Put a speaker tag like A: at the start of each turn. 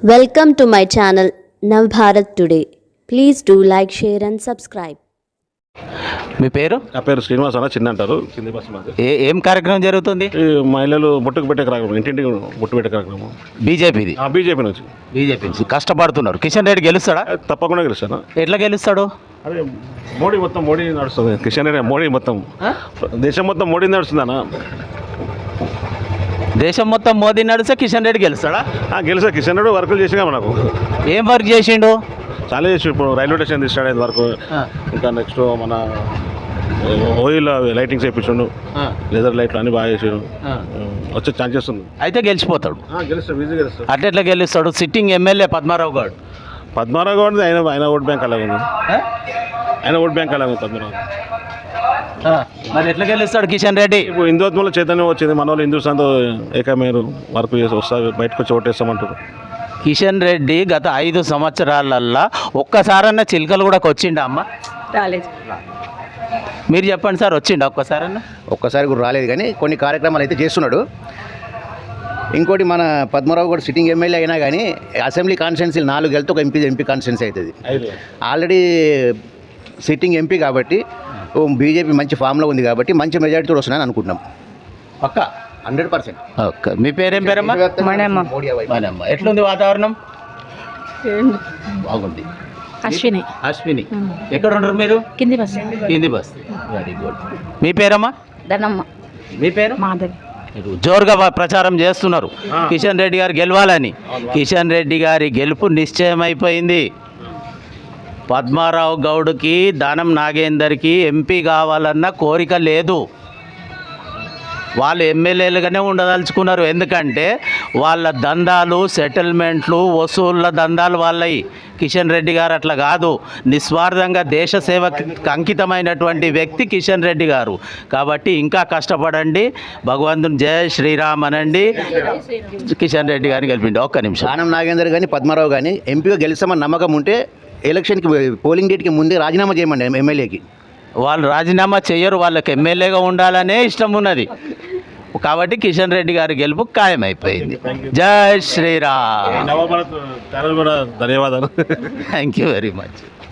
A: Welcome to my channel Navbharat Today. Please do like, share and subscribe.
B: మీ పేరు?
C: నా పేరు శ్రీనివాస్ అన్న, చిన్న అంటారు, కింది బస్సు మాది.
B: ఏం కార్యక్రమం జరుగుతుంది?
C: ఈ మహిళలు బొట్టుకు పెట్టే కార్యక్రమం, ఇంటింటికి బొట్టు పెట్టే కార్యక్రమం.
B: బీజేపీది?
C: బీజేపీ నుంచి.
B: బీజేపీ నుంచి కష్టపడుతున్నారు. కిషన్ రెడ్డి గెలుస్తాడా?
C: తప్పకుండా గెలుస్తాను.
B: ఎట్లా గెలుస్తాడు?
C: అదే మోడీ నడుస్తుంది. కిషన్ రెడ్డి మోడీ మొత్తం దేశం మొత్తం మోడీ నడుస్తుందన్న.
B: దేశం మొత్తం మోదీ నడిస్తే కిషన్ రెడ్డి గెలుస్తాడా?
C: గెలుస్తా. కిషన్ రెడ్డి వర్కులు చేసినా మనకు.
B: ఏం వర్క్ చేసిండు?
C: చాలా చేసి, ఇప్పుడు రైల్వే స్టేషన్ తీసుకురాడేది వరకు, ఇంకా నెక్స్ట్ మన ఓయిల్ లైటింగ్స్ వేయించండు, లేజర్ లైట్లు అన్ని బాగా చేసాడు. వచ్చే ఛాన్సెస్ ఉంది.
B: అయితే గెలిచిపోతాడు.
C: గెలుస్తాడు, ఈజీ గెలుస్తాడు.
B: అట్లా గెలుస్తాడు. Sitting MLA Padmarao Goud.
C: పద్మారావు గౌడ్ ఆయన ఓట్ బ్యాంక్ అలాగే ఉంది. ఆయన ఓట్ బ్యాంక్ అలాగే ఉంది పద్మారావు.
B: మరి ఎట్లా గెలుస్తాడు కిషన్ రెడ్డి?
C: ఇప్పుడు హిందుత్వంలో చైతన్యం వచ్చింది. మన వాళ్ళు హిందుస్థాన్తో ఏకమేరు వర్క్ చేసి వస్తారు, బయటకు వచ్చి ఓటేస్తామంటారు.
B: కిషన్ రెడ్డి గత 5 సంవత్సరాలల్లా ఒక్కసారన్నా చిలుకలు కూడా వచ్చిండా అమ్మ?
D: రాలేదు.
B: మీరు చెప్పండి సార్, వచ్చిండా ఒక్కసారన్నా?
E: ఒక్కసారి కూడా రాలేదు, కానీ కొన్ని కార్యక్రమాలు అయితే చేస్తున్నాడు. ఇంకోటి, మన పద్మరావు కూడా సిట్టింగ్ ఎమ్మెల్యే అయినా కానీ అసెంబ్లీ కాన్స్టిట్యున్సీలు 4 వెళ్తే ఒక ఎంపీ కాన్స్టిట్యున్సీ అవుతుంది. ఆల్రెడీ సిట్టింగ్ ఎంపీ కాబట్టి బీజేపీ మంచి ఫామ్లో ఉంది కాబట్టి మంచి మెజారిటీతో వస్తున్నాయని అనుకుంటున్నాం.
B: పక్క
E: 100%.
B: ఓకే. మీ పేరేం పేరమ్మా? మనమ్మ. ఎట్లుంది వాతావరణం? బాగుంది. అశ్విని. ఎక్కడ ఉంటారు మీరు? కింది బస్. Very good. మీ పేరమ్మా?
D: ధనమ్మ.
B: మీ పేరు?
D: మాధవి.
B: జోరుగా ప్రచారం చేస్తున్నారు కిషన్ రెడ్డి గారు గెలవాలని. కిషన్ రెడ్డి గారి గెలుపు నిశ్చయమైపోయింది. పద్మారావు గౌడ్కి, దానం నాగేందర్కి ఎంపీ కావాలన్న కోరిక లేదు. వాళ్ళు ఎమ్మెల్యేలుగానే ఉండదలుచుకున్నారు. ఎందుకంటే వాళ్ళ దందాలు, సెటిల్మెంట్లు, వసూళ్ళ దందాలు వాళ్ళవి. కిషన్ రెడ్డి గారు అట్లా కాదు. నిస్వార్థంగా దేశ సేవకి అంకితమైనటువంటి వ్యక్తి కిషన్ రెడ్డి గారు. కాబట్టి ఇంకా కష్టపడండి. భగవంతుని జయ శ్రీరామ్ అనండి. కిషన్ రెడ్డి గారిని గెలిపిండి. ఒక్క నిమిషం.
E: దానం నాగేందర్ కానీ పద్మారావు కానీ ఎంపీగా గెలుస్తామని నమ్మకం ఉంటే ఎలక్షన్కి పోలింగ్ డేట్కి ముందే రాజీనామా చేయమండి ఎమ్మెల్యేకి.
B: వాళ్ళు రాజీనామా చేయరు. వాళ్ళకి ఎమ్మెల్యేగా ఉండాలనే ఇష్టం ఉన్నది. కాబట్టి కిషన్ రెడ్డి గారి గెలుపు ఖాయమైపోయింది. జై శ్రీరామ్.
C: ధన్యవాదాలు.
B: Thank you very much.